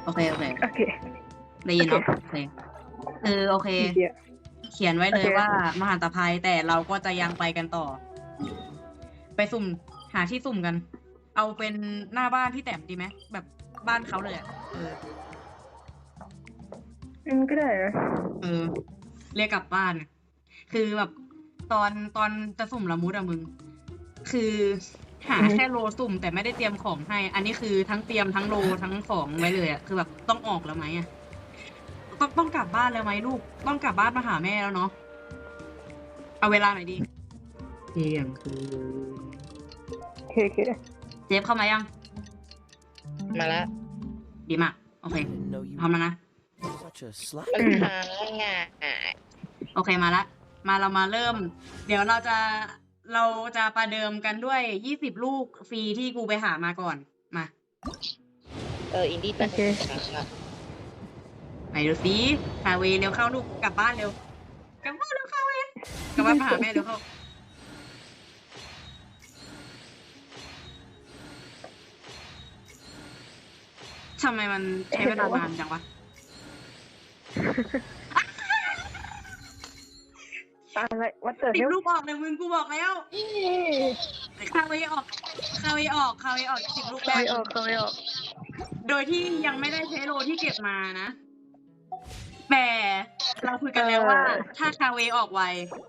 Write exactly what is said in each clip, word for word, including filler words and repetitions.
โอเคโอเคโอเคได้ยินเนาะโอเคคือโอเค เขียนไว้เลยว่ามหันตภัยแต่เราก็จะยังไปกันต่อ ไปสุ่มหาที่สุ่มกัน เอาเป็นหน้าบ้านพี่แต้มดีไหมแบบบ้านเขาเลยอ่ะเอออืมก็ได้นะเออ เรียกกลับบ้าน คือแบบตอนตอนจะสุ่มละมุดอะมึง คือหาแค่โลสุ่มแต่ไม่ได้เตรียมของให้ อันนี้คือทั้งเตรียมทั้งโลทั้งของไว้เลยอะคือแบบต้องออกแล้วไหมอะต้องต้องกลับบ้านแล้วไหมลูก ต้องกลับบ้านมาหาแม่แล้วเนาะ เอาเวลาหน่อยดีเที่ยงคืนโอเคโอเคเจฟเข้ามายังมาละดีมาก โอเคพร้อมแล้วนะปัญหาง่ายโอเคมาละ มาเรามาเริ่ม เดี๋ยวเราจะเราจะประเดิมกันด้วยยี่สิบลูกฟรีที่กูไปหามาก่อน มาเอออินดี้แต่ไหนดูสิคาเวเร็วเข้าลูกกลับบ้านเร็ว กลับบ้านเร็วเข้าเวกลับบ้านมาหาแม่เร็วเข้า ทำไมมันใช้เวลานานจังวะอะไรวัดเตอร์สิเฮบลลูกออกเลยมึงกูบอกแล้วคาเวออกคาเวออกคาเวออกสิบลูกแรไม่กออกเขาไม่ออกโดยที่ยังไม่ได้ใช้โลที่เก็บมานะ แต่เราคุยกันแล้วว่า ถ้าคาเวออกไว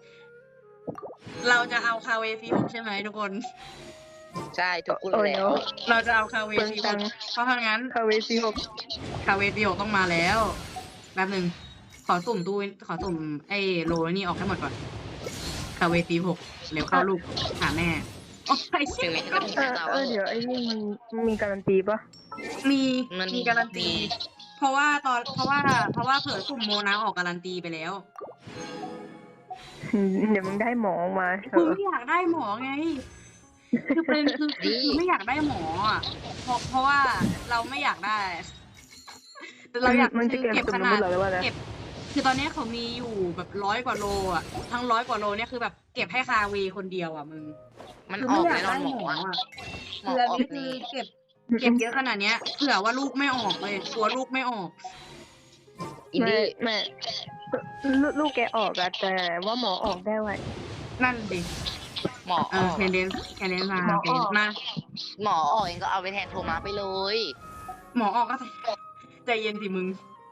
เราจะเอาคาเวซีหกใช่ไหมทุกคนใช่ถูกพูดโอ้ยแล้วเนาะเราจะเอาคาเวเปิงซีหตักงเพราะฉะนั้นคาเวซีหกคาเวซีหกต้องมาแล้วแป๊บหนึ่งขอสุ่มตู้ขอสุ่มไอ้โลนี่ออกให้หมดก่อนคาเวซีหกเร็วเข้าลูกหาแม่โอ้ยถึงแม้จะไม่เอใช่อเราเออเดี๋ยวไอ้นี่มันมีการันตีปะมีมันมีการันตี เพราะว่าตอนเพราะว่า เพราะว่าเผื่อสุ่มโมนาออกการันตีไปแล้วอืมเดี๋ยวมึงได้หมอมาเถกูอะไม่อยากได้หมอไง คือเป็นคือคือคือไม่อยากได้หมออ่ะเพราะเพราะว่าเราไม่อยากได้ แต่เราอยากมันจะคือเก็บเก็บสุ่มขน้ำนามัดนเหรอหรือว่าอะไรเก็บ คือตอนนี้เขามีอยู่แบบร้อยกว่าโลอ่ะ ทั้งร้อยกว่าโลเนี่ยคือแบบเก็บให้คาวีคนเดียวอ่ะมึงมันคืออไม่อกอยากแน่นอได้นหมหมอออ่ะหมอคืออันออกนี้คือนี่เก็บ เก็บเยอะขนาดเนี้ยเผื่อว่าลูกไม่ออกเลยกลัวลูกไม่ออกอินไม่ดี้ไม่ลูกลูกแกออกอะแต่ว่าหมอออกได้ไวนั่นดิหมอเออออกแคนเดนแคนเดนมาหมอโอเคออกมาหมอออกเองก็เอาไปแทนโทมัสไปเลยหมอออกก็ใจเย็นสิมึง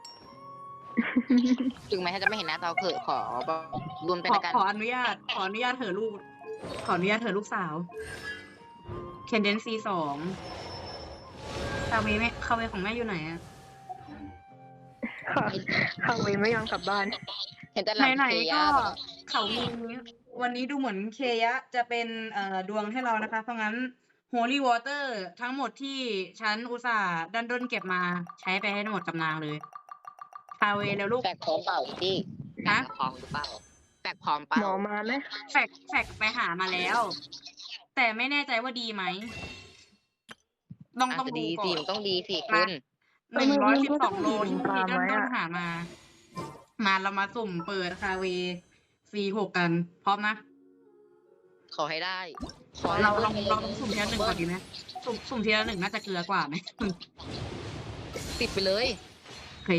ถึงแม้จะไม่เห็นหน้าตาเขินขอแบบรวมเป็นขอกันขออนุญาต ขออนุญาตเถอะลูก ขออนุญาตเถอะลูกสาว เคนเดนซีสองคาเวแม่คาเวของแม่อยู่ไหนอะค่ะคาเวไม่ยอมกลับบ้านเห็นแต่หลังไหนเทีๆยก็เขามีวันนี้ดูเหมือนเคยะจะเป็นเอ่อดวงให้เรานะคะ เพราะงั้น Holy Water ทั้งหมดที่ฉันอุตส่าห์ดันด้นเก็บมาใช้ไปให้หมดกำนางเลย คาเวแล้วลูกแฟกพร้อมเปล่าอินดี้แฟฮะกพร้อมหรือเปล่าแฟกพร้อมเปล่าหมอมาไหมแฟกแฟกไปหามาแล้ว แต่ไม่แน่ใจว่าดีไหมต้องอาจต้องจะดูดีก่อสินมันต้องดีสิคุณหนึ่งร้อยสิบสองโลที่พี่ด้นต้นหามา มาเรามาสุ่มเปิดคาเวซีหกกัน พร้อมนะขอให้ได้ขอเราให้ลองบิ้ลองสุ่มทีละหนึ่งก่อนดีไหมสุ่มสุ่มทีละหนึ่งน่าจะเกลือกว่าไหมติดไปเลยโอเค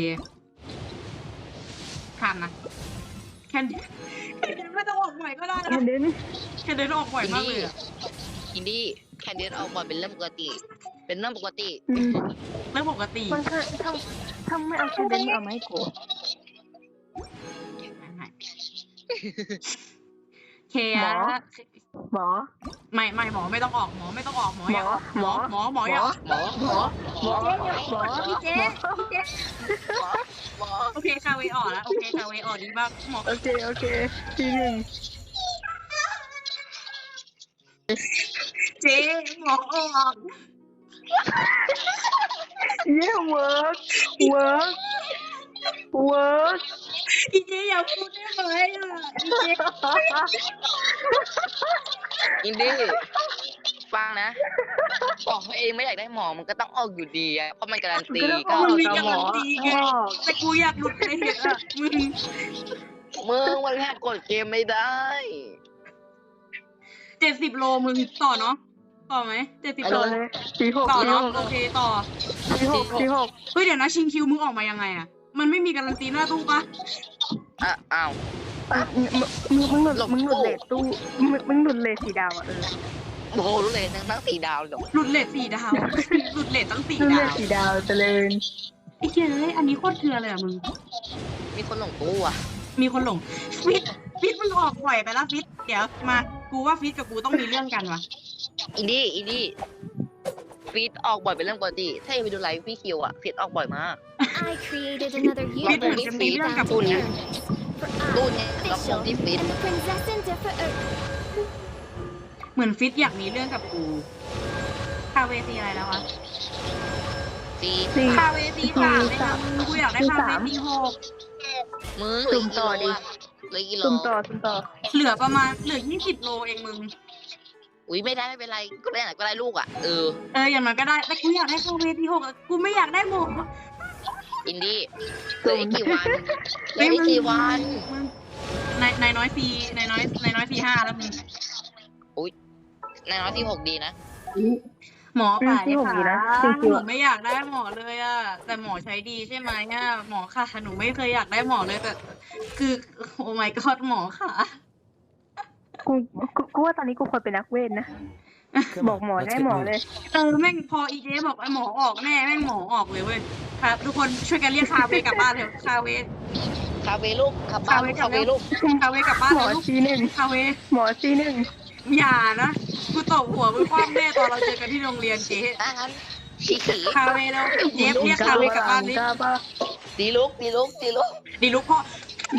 ข้ามนะแคนแคนเดนไม่ต้องออกบ่อยก็ได้แคนะนเดนแคนเดนออกบ่อยมากเลยอะอินดี้แคนเดียตออกบอลเป็นเรื่องปกติ เป็นเรื่องปกติอืมเรื่องปกติมันถ้าถ้าถ้าไม่เอาแคนเดนเอาไหมกูเคอะหมอไม่ไม่หมอไม่ต้องออกหมอไม่ต้องออกหมออย่าออกหมอหมอหมออย่าออกหมอหมอหมอหมอพี่เจ๊พี่เจ๊หมอโอเคคาเวออกแล้วโอเคคาเวออกดีมากหมอโอเคโอเคทีหนึ่งเจ๊หมอออกเย้เวิร์กเวิร์กเวิร์กพี่เจ๊อย่าพูดได้ไหมอ่ะพี่เจ๊อินดี้ฟังนะบอกตัวเองไม่อยากได้หมอมันก็ต้องออกอยู่ดีอะเพราะมันการันตีก็มันออกมีกับการัหมนอตีไงแต่กูอยากหลุดไปเห็นอ่ะมึงมึงมันแค่กดเกมไม่ได้เจ็ดสิบโลมึงต่อเนาะต่อไหมเจ็ดสิบต่อเลยสี่หกต่อสี่หเนาะกโอเคต่อสี่หกสี่หกเฮ้ยเดี๋ยวนะชิงคิวมึงออกมายังไงอะมันไม่มีการันตีหน้าตู้ปะอ่ะอ้าวอ่ะมึงมึงมึงหลุดมึงหลุดเลทตู้มึงมึงหลุดเลทสีดาวอ่ะเออโอ้โหรู้เลยทั้งทั้งสี่ดาวเลยเหรอหลุดเลทสี่ดาว หลุดเลทตั้งสี่หลุดเลดาทวสีดาวเจริญไอ้เหี้ยเอ้ยอันนี้โคตรเถื่อนเลยอะมึงมีคนหลงตู้อ่ะมีคนหลงฟิตฟิตมึงออกบ่อยไปแล้วฟิตเดี๋ยวมา กูว่าฟิตกับกูต้องมีเรื่องกันว่ะอินดี้อินดี้ฟีดออกบ่อยเป็นเรื่องปกติ ถ้ายังไปดูไลฟ์พี่คิวอ่ะฟีดออกบ่อยมาก I created another ฟิตเหมือน universe จะมีเรื่องกับตูกูนนะ for ตู I, นเนี่ยรับผม official, ที่ฟีด and the princess in different Earth. เหมือนฟิตอยากมีเรื่องกับกู คาเวซีอะไรแล้ววะฟีดสี่คาเวซีสามเลยนะมึงกูอยากได้คาเวซีหกมึงสุ่มต่อดิเหลยกิโลซุ่มต่อซุ่มต่อเหลือประมาณเหลือยี่สิบโลเองมึงอุ้ยไม่ได้ไม่เป็นไรก็ได้ไหนก็ได้ลูกอ่ะเออเอออย่างน้อยก็ได้ แต่กูอยากได้คาเวซีหกอะกูไม่อยากได้หมวกอินดี้เหลืออีกกี่วันเหลืออีกกี่วันในในน้อยซีในน้อยในน้อยซีห้าแล้วมึงในน้อยที่หกดีนะหมอป่าที่เนี่ยหกค่ะดีนะหจรินูงๆอะไม่อยากได้หมอเลยอะแต่หมอใช้ดีใช่ไหมอะหมอค่ะหนูไม่เคยอยากได้หมอเลยแต่คือโอ้ my god หมอค่ะกูกูกูว่าตอนนี้กูควรเป็นนักเวทนะ บอกหมอได้หมอเลยเออแม่งพออีเจบอกไอ้หมอออกแน่แม่งหมอออกเลยเว้ยครับทุกคนช่วยกันเรียกคาเวกลับบ้านเถอะคาเวคาเฟ่ลูกขับบ้านคาเฟ่ลูกคาเวกลับบ้านหมอเลยลูกซีหนึ่งคาเวหมอซีหนึ่งอย่านะกูตบหัวมึงคว่ำแน่ตอนเราเจอกันที่โรงเรียนเจ๊อ่ะงั้นชีขีคาเวแล้วเจฟเรียกคาเวกลับบ้านดิกล้าปะดีลูกดีลูกดีลูกดีลูกพ่อ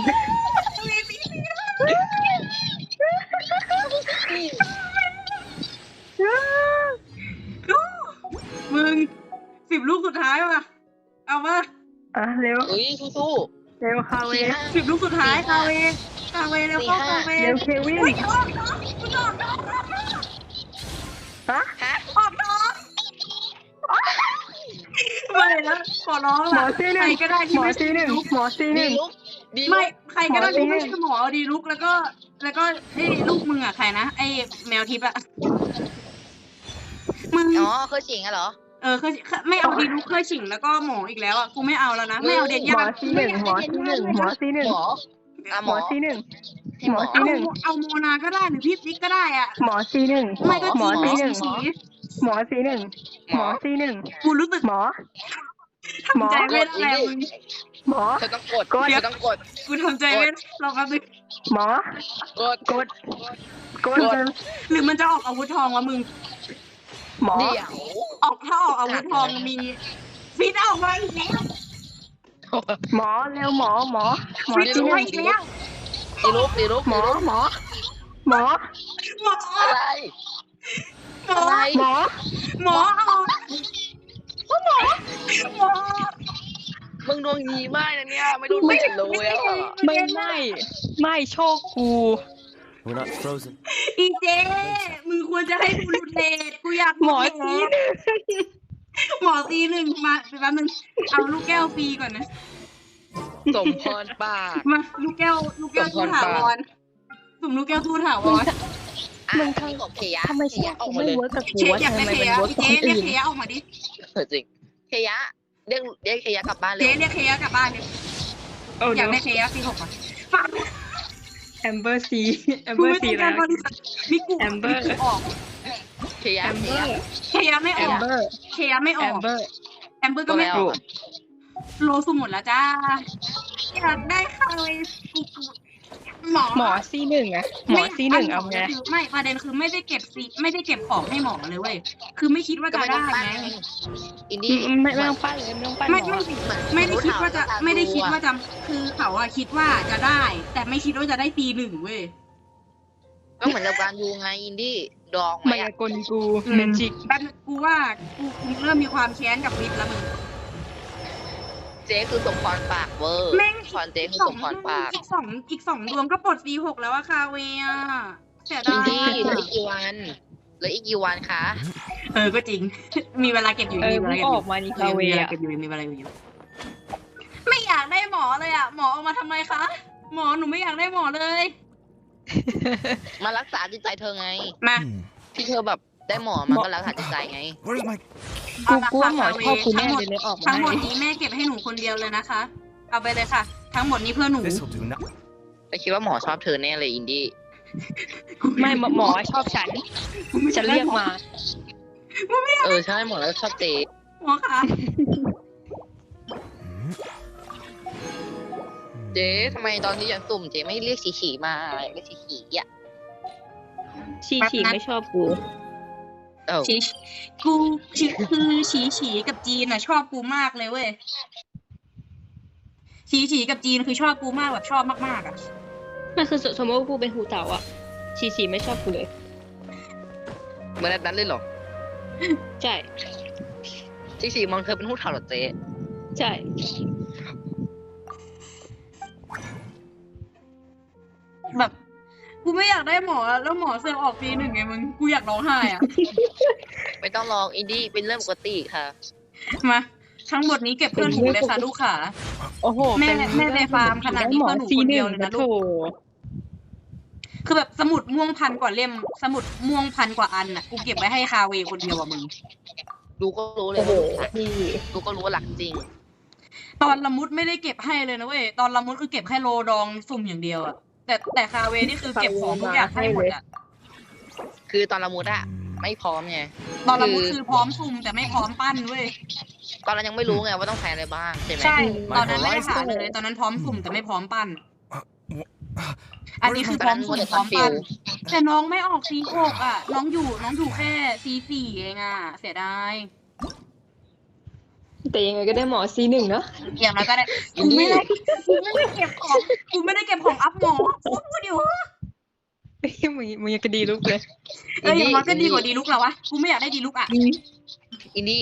มึงสิบลูกสุดท้ายว่ะเอามาอ่ะเร็วอุ้ยสู้เร็วคาๆเวสี่ห้าสิบลูกสุดท้ายคาเวคาเวแล้วเข้าคาเวเร็วเควินเฮ้ยออกน้องคุณออกน้องฮะฮะออกน้องไม่แล้วขอร้องหมอล่ะซีหใครนึ่งก็ได้หที่มอไม่ซีหนึ่งหมอซีหดีนึ่งลูกดีลูไม่กใครก็ได้หมอซีที่หนึ่ไม่งใช่หมอเอาดีลุกแล้วก็ แล้วก็ไอ้ลูกมึงอ่ะใครนะไอ้แมวทิพย์อ่ะมึงอ๋อเคยฉิงอะเหรอเออเคยเคยไม่เอาดีลุกเคยฉิงแล้วก็หมออีกแล้วอ่ะกูไม่เอาแล้วนะไม่เอาเด็กหมยาอก ซีหนึ่งหมอซีหนึ่งหมอซีหนึ่งหมออ่ะหหมมออซีหนึ่งให้หหมมออซีหนึ่งเอาเอาโมนาก็ได้หรือพี่ฟิกก็ได้อ่ะหมอซีหนึ่งไม่ก็หมอจีซีหนึ่งสีหมอซีหนึ่งหมอซีหนึ่งกูรู้สึกหมอ หมอทำใจไม่ได้แล้วมึงหมอเธอต้องกดกดเธอต้องกดกูทำใจไม่ได้รอแป๊บนึงหมอกดกด กดหรือมันจะออกอาวุธทองวะมึงหมอเดี๋ยวออกถ้าออกอาวุธทองมีฟิตออกมาอีกแล้วหมอเร็วหมอหมอหมอฟิตซีออกหมานึ่งอีกแล้วดีลูกดีลูกหมอหมอ หมอหมออะไรหมออะไรหมอหมอออกหมอหมอมึงดวงดีมากนะเนี่ยไม่โดนไม่เห็นเลยอ่ะไม่ไม่ไม่โชคกู We're not frozen. อีเจ มึงควรจะให้กูหลุดเลทกูอยากหมอลุดเลทหมอซีหนึ่งมาแป๊บนึงเอาลูกแก้วฟรีก่อนนะสมพรปากมาลูกแก้ว ลูกแก้วสมพทูรถาปากวรสุ่มลูกแก้วทูถาวรมึงทำกับเคียทำไมเคีเชียยออกไม่มาเลยเวิร์กกับกูเชฟวะอยากทำได้ไมเคมันยะเวิร์กพี่กับเจ๊คนเรียกอื่นเคยะออกมาดิเออจริงเคียเรียกเรียกเคียกลับบ้านเลเจ๊ยเรียกเคยะกลับบ้านดิโอ้อเดี๋ยาย กวได้เคยะซีหกอ่ะฝากแอมเบอร์ซีแอมกูเบอไม่ร์ซีต้องแล้กาว รบริษัทมิกูแอมเบอร์มิกูออกเคียแอมเคีเบยอร์เคยะไม่อแออมกเบอร์เคยะไม่อแออมกเบอร์แอมเบอร์ก็ไม่ออกโลสุ่มหมดแล้วจ้าอยากได้ค่ะเลยกูกูหมอหมอซีหนึ่งอะหมอซีหนึ่งเอาไงคือไม่ประเด็นคือไม่ได้เก็บซีไม่ได้เก็บของให้หมอเลยเว้ยคือไม่คิดว่าก็จะไม่ต้ได้องปั้นไงอินอืดี้มไม่ไม่ต้องปั้นเลยไม่ต้องปั้นหไม่มอไม่ไม่ได้คิดว่าจะไม่ได้คิดว่าจะคือเขาอะคิดว่าจะได้ แต่ไม่คิดว่าจะได้ปีหนึ่งเว้ยก็เหมือนกับการดูไงอินดี้ดองไหมมายากลกูอืมเมจิกแป๊บนึงกูว่ากูกูเริ่มมีความแค้นกับวิทย์แล้วมึงเจ๊คือสมพรปากเวอร์แม่งพรเจ๊คือสสองมพรปากอีกสองอีกสองดวงก็ปลดซีหกแล้วอะคาเวียเสียอิดาน ยดี้เหลืออีกกี่วันเหลืออีกกี่วันคะเออก็จริง มีเวลาเก็บอยู่เออมีเวมึลาง เก็บอออยู่ กมานี่คาเวมีเวลาอะเก็บอยู่มีเวลาอยู่ไม่อยากได้หมอเลยอะหมอเอามาทำไมคะหมอหนูไม่อยากได้หมอเลยมารักษาจิตใจเธอไงมาที่เธอแบบได้หมอมันก็แล้วหาจิตใจไง Where's my กูกูว่าหมอชอบกูแน่เลยเลยออกมาทั้งหมดให้นี้แม่เก็บให้หนูคนเดียวเลยนะคะ เอาไปเลยค่ะ ทั้งหมดนี้เพื่อหนู this'll do not แต่คิดว่าหมอชอบเธอแน่เลยอินดี้ไม่หมอหมอชอบฉันฉันเรียกมาเออใช่หมอแล้วชอบเจ๊หมอคะเจ๊ทำไมตอนที่ยังตุ่มเจ๊ไม่เรียกฉีฉีมาเรียกฉีฉีอ่ะชีชีไม่ชอบกูเออฉีกูฉีคือฉีฉีกับจีนอะชอบกูมากเลยเว้ยฉีฉีกับจีนคือชอบกูมากแบบชอบมากๆอะมันคือสมมติว่ากูเป็นหูเต่าอ่ะ ชีชีไม่ชอบกูเลยเหมือนนั้นเลยเหรอใช่ฉีฉีมองเธอเป็นหูเถ่าเหรอเจ๊ใช่แบบกูไม่อยากได้หมอแล้วหมอเสือกออกปีหนึ่งไงมึงกูอยากร้องไห้อะไม่ต้องลองอินดี้เป็นเรื่องปกติค่ะมาทั้งหมดนี้เก็บเพื่อนหนูเลยค่ะลูกขาโอ้โหแม่เป็นแม่ในฟาร์มขนาดนี้หมอเพื่อนหนูซีคนหเดีนึ่ยวงเลยนะนะโถลูกคือแบบสมุดม่วงพันกว่าเล่ม สมุดม่วงพันกว่าอันน่ะกูเก็บไว้ให้คาเวคนเดียวอะมึงดูก็รู้เลยโอ้โหว่าหลักพี่ดูก็รู้ว่าหลักจริงตอนละมุดไม่ได้เก็บให้เลยนะเว้ยตอนละมุดคือเก็บแค่โลดองสุ่มอย่างเดียวอะแต่แต่คาเวนี่คือเก็บของทุกอย่างให้หมดอะคือตอนละมุดอะไม่พร้อมไงตอนละมุดคือพร้อมสุ่มแต่ไม่พร้อมปั้นเว้ยตอนนั้นยังไม่รู้ไงว่าต้องใช้อะไรบ้างใช่ไหมใช่ ตอนนั้นไม่ได้หาเลย ตอนนั้นพร้อมสุ่มแต่ไม่พร้อมปั้น อันนี้คือพร้อมสุ่มพร้อมปั้น แต่น้องไม่ออกซีหกอ่ะ น้องอยู่น้องอยู่แค่ซีสี่เองอ่ะ เสียดายแต่ยังไงก็ได้หมอซีหนึ่งเนาะอย่างน้อยก็ได้กูไม่ได้กูไม่ได้เก็บของกูไม่ได้เก็บของอัพหมอกูพูดอยู่เฮ้ยมึงมึงยังก็ดีลุกเลยเอออย่างน้อยก็ดีกว่าดีลุกแล้ววะ กูไม่อยากได้ดีลุกอ่ะอินดี้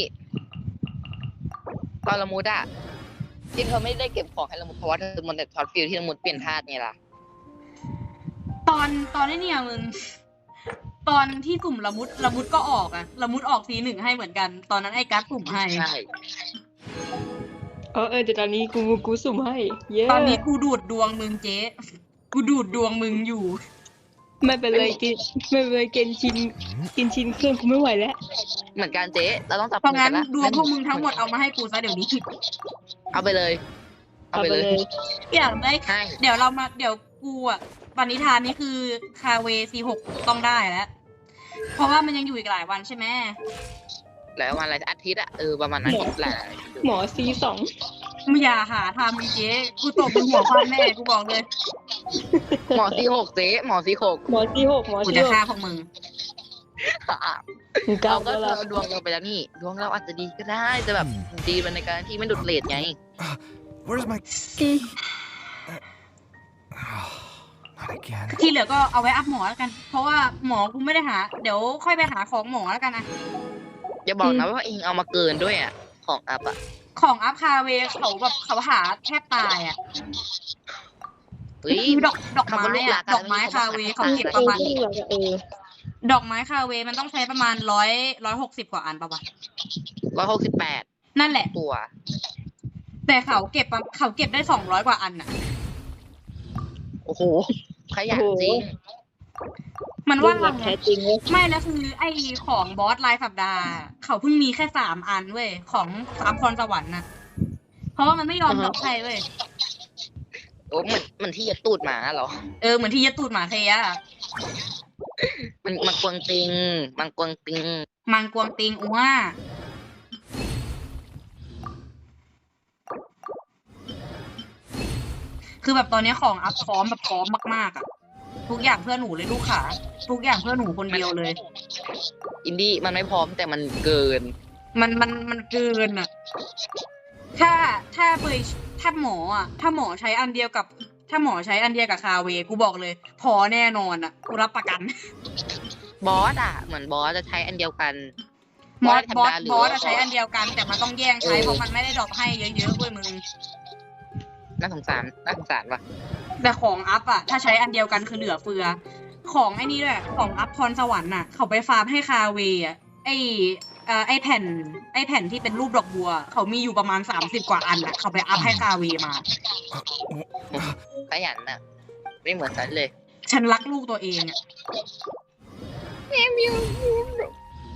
ตอนละมุดอะที่เธอไม่ได้เก็บของให้ละมุดเพราะว่าเธอมันแต่ช็อตฟิลที่ละมุดเปลี่ยนธาตุไงล่ะตอนตอนนี้เนี่ยมึง ตอนที่สุ่มละมุดละมุดก็ออกอ่ะละมุดออกซีหนึ่งให้เหมือนกัน ตอนนั้นไอ้กัสสุ่มให้ใช่เออเออแต่ตอนนี้กูกูสุ่มให้ เย้ตอนนี้กูดูดดวงมึงเจ๊กูดูดดวงมึงอยู่ไม่เป็นไรกินไม่เป็นไรกินชินกินชินเครื่องกูไม่ไหวแล้วเหมือนกันเจ๊เราต้องจับเพราะงั้นมือกัละดวงพวกมึงทั้งหมดเอามาให้กูซะเดี๋ยวนี้เอาไปเลย เอาไปเลยอยากได้ให้เดี๋ยวเรามาเดี๋ยวกูอ่ะปณิธานนี่คือคาเวซีหกต้องได้แล้ว เพราะว่ามันยังอยู่อีกหลายวันใช่ไหมแล้ววันอะไรอาทิตย์อะเออประมาณอาทิตย์แหละหมอซีสองมึงอย่าหาทำมึงเจ๊กูตบมึงหัวความแน่กูบอกเลยหมอซีหกเจ๊หมอซีหกหมอซีหกหมอกูซีจะหกฆ่าพวกมึงมึงก้าเราวก็ก็เธแล้วอดวงเราไปแล้วนี่ ดวงเราอาจจะดีก็ได้แต่แบบดีเป็นในการที่ไม่ดุดเลทไง Where's my not again ที่เหลือก็เอาไว้อัพหมอแล้วกัน เพราะว่าหมอกูไม่ได้หา เดี๋ยวค่อยไปหาของหมอแล้วกันนะอย่าบอกนะว่าเองเอามาเกินด้วยอะของอัพอะของอัพคาเวเขาแบบเขาหาแทบตายอ่ะเฮ้ยคือดอกดอกไม้คำว่าลูกหลาอะนดอกไม้คาเวเขาเออเก็บเอประอมาณเออดอกไม้คาเวมันต้องใช้ประมาณร้อยร้อยหกสิบกว่าอันปะวะร้อยหกสิบแปดนั่นแหละตัวแต่เขาเก็บประเขาเก็บได้สองร้อยกว่าอันอ่ะโอ้โห ขยันจริงมันว่าแบบแท้จริงเว้ยไม่แล้วคือไอ้ของบอสรายสัปดาห์ เขาเพิ่งมีแค่สามอันเว้ยของสามพรสวรรค์น่ะ เพราะว่ามันไม่ยอมดรอกให้เว้ยโอ้เหมือนเหมันที่จะตูดหมาเหรอเออเหมือนที่ยะตูดหมาเทียอะมันมันกวงติง มันกวงติงมังกวงติงอ้วคือแบบตอนนี้ของอัพพร้อมแบบพร้อมมากๆอ่ะ ทุกอย่างเพื่อหนูเลยลูกขาทุกอย่างเพื่อหนูคนเดียวเลยอินดี้มันไม่พร้อมแต่มันเกินมันมันมันเกินอ่ะ ถ้าถ้าเบยถ้าหมออ่ะ ถ้าหมอใช้อันเดียวกับ ถ้าหมอใช้อันเดียวกับคาเวกูบอกเลย พอแน่นอนอ่ะกูรับประกันบอสอะเหมือนบอสจะใช้อันเดียวกันบอสธรบรอมสดาหรืบอสว่าอะใช้อันเดียวกัน แต่มันต้องแย่งใช้เพราะมันไม่ได้ดรอปให้เยอะๆเว้ยมึงน่าสงสารน่าสงสารว่ะแต่ของอัพอ่ะ ถ้าใช้อันเดียวกันคือเหลือเฟือ ของไอ้นี่ด้วยของอัพพรสวรรค์น่ะ เขาไปฟาร์มให้คาเวอ่ะไอเอ่อไอแผ่น ไอแผ่นที่เป็นรูปดอกบัว เขามีอยู่ประมาณสามสิบกว่าอันอ่ะ เขาไปอัพให้คาเวมาขยันอะไม่เหมือนฉันเลยฉันรักลูกตัวเองอ่ะ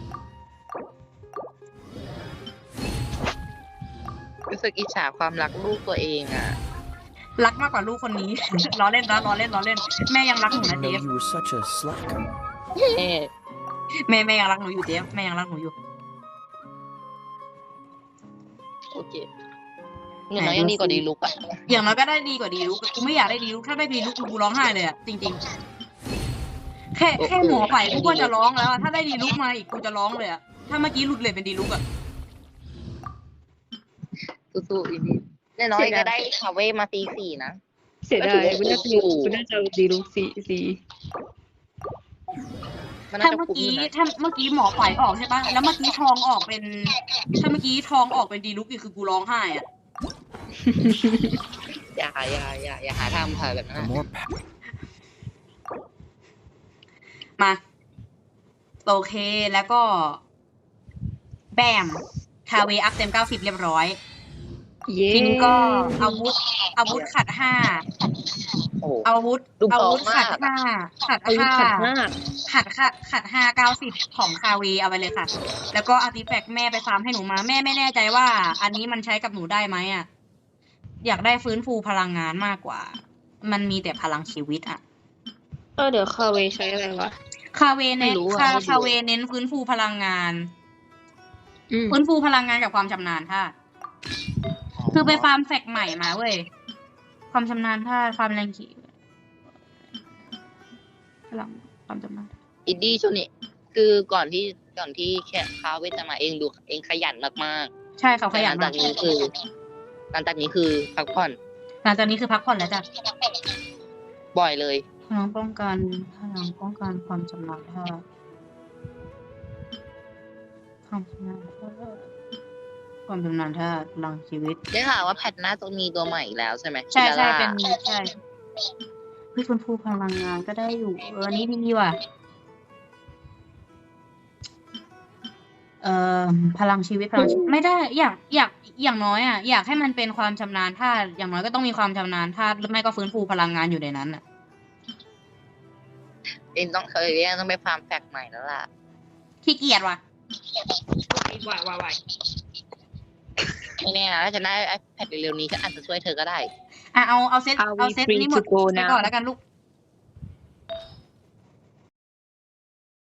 สึกอิจฉาความรักลูกตัวเองอ่ะรักมากกว่าลูกคนนี้ ล้อเล่นนะล้อเล่นล้อเล่น แม่ยังรักหนู I นะ didn't เจ know ฟ you were such a slacker. เอ๊ะแม่แม่ยังรักหนูอยู่เจฟแม่ยังรักหนูอยู่โอเคเงินน้อยยังดีกว่าดีลุกอ่ะอย่างน้อยก็ได้ดีกว่าดีลุกกูไม่อยากได้ดีลุกถ้าได้ดีลุกกูร้องไห้เลยอะจริงๆ แค่แค่หมอไปกูก็จะร้องแล้วอะถ้าได้ดีลุกมาอีกกูจะร้องเลยอะถ้าเมื่อกี้หลุดเลยเป็นดีลุกอะสู้ๆอีนี่น้อยก็ได้คาเว่มาตีสี่นะเสียดายกูน่าจะกูน่าจะเอาดีลูกสีสีมันน่าถ้าจะเมื่อคุ้มกี้อยู่นะถ้าเมื่อกี้หมอปล่อยออกใช่ปะแล้วเมื่อกี้ทองออกเป็น ถ้าเมื่อกี้ทองออกเป็นดีลุกอีกคือกูร้องไห้อะอย่าอย่าอย่าอย่าหาทำค่ะแบบนั้น The อะ more pa- มาโอเคแล้วก็ แบมคาเวอัพเต็มเก้าสิบเรียบร้อยเย้ทีนี้ก็อาวุธ อาวุธขัดห้าโอ้โหอาวุธดูพร้อาอมวุธขัดมากห้าขัดอายุห้าขัดมากขัดค่ะขัดห้าเก้าสิบของคาเวเอาไปเลยค่ะ แล้วก็อาร์ติแฟกต์แม่ไปฟาร์มให้หนูมา แม่ไม่แน่ใจว่า อันนี้มันใช้กับหนูได้ไหมอ่ะ อยากได้ฟื้นฟูพลังงานมากกว่า มันมีแต่พลังชีวิตอ่ะเออเดี๋ยวคาเวใช้อะไรวะคาเวเน้นไม่รู้อะคาไม่รู้คาเวเน้นฟื้นฟูพลังงานอืมฟื้นฟูพลังงานกับความชำนาญธาตุคือไปฟาร์มแฟกใหม่มาเว้ย ความชำนาญธาตุฟาร์มแรงขี่พลังความชำนาญอินดี้ช่วงนี้คือก่อนที่ก่อนที่แค่คาเวจะมาเองดูเองขยันมากใช่เขาๆขยันหลัมาง กจากนี้คือหลังจากนี้คือพักผ่อนหลังจากนี้คือพักผ่อนแล้วจ้ะบ่อยเลยพลังป้องกันพลังป้องกันความชำนาญธาตุความชำนาญธาตุความชำนาญธาตุพลังชีวิตได้ข่าวว่าแพทหน้าจะมีตัวใหม่อีกแล้วใช่ไหมใช่ใช่คิราล่าเป็นใช่เฮ้ยฟื้นฟูพลังงานก็ได้อยู่เอออันนี้ดีว่ะเอ่อพลังชีวิตพลังชีวิตไม่ได้อยากอยากอย่างน้อยอ่ะอยากให้มันเป็นความชำนาญธาตุอย่างน้อยก็ต้องมีความชำนาญธาตุหรือไม่ก็ฟื้นฟูพลังงานอยู่ในนั้นอ่ะเองต้องเคยเรียกต้องไปฟาร์มแฟกใหม่แล้วล่ะขี้เกียจว่ะวายวายวายไม่แน่นะถ้าจะได้ไอแพดเร็วๆนี้ก็อาจจะช่วยเธอก็ได้อ่ะเอาเอาเซต Are we เอาเซต free นี้หมด to go ไปก่อน now? แล้วกันลูก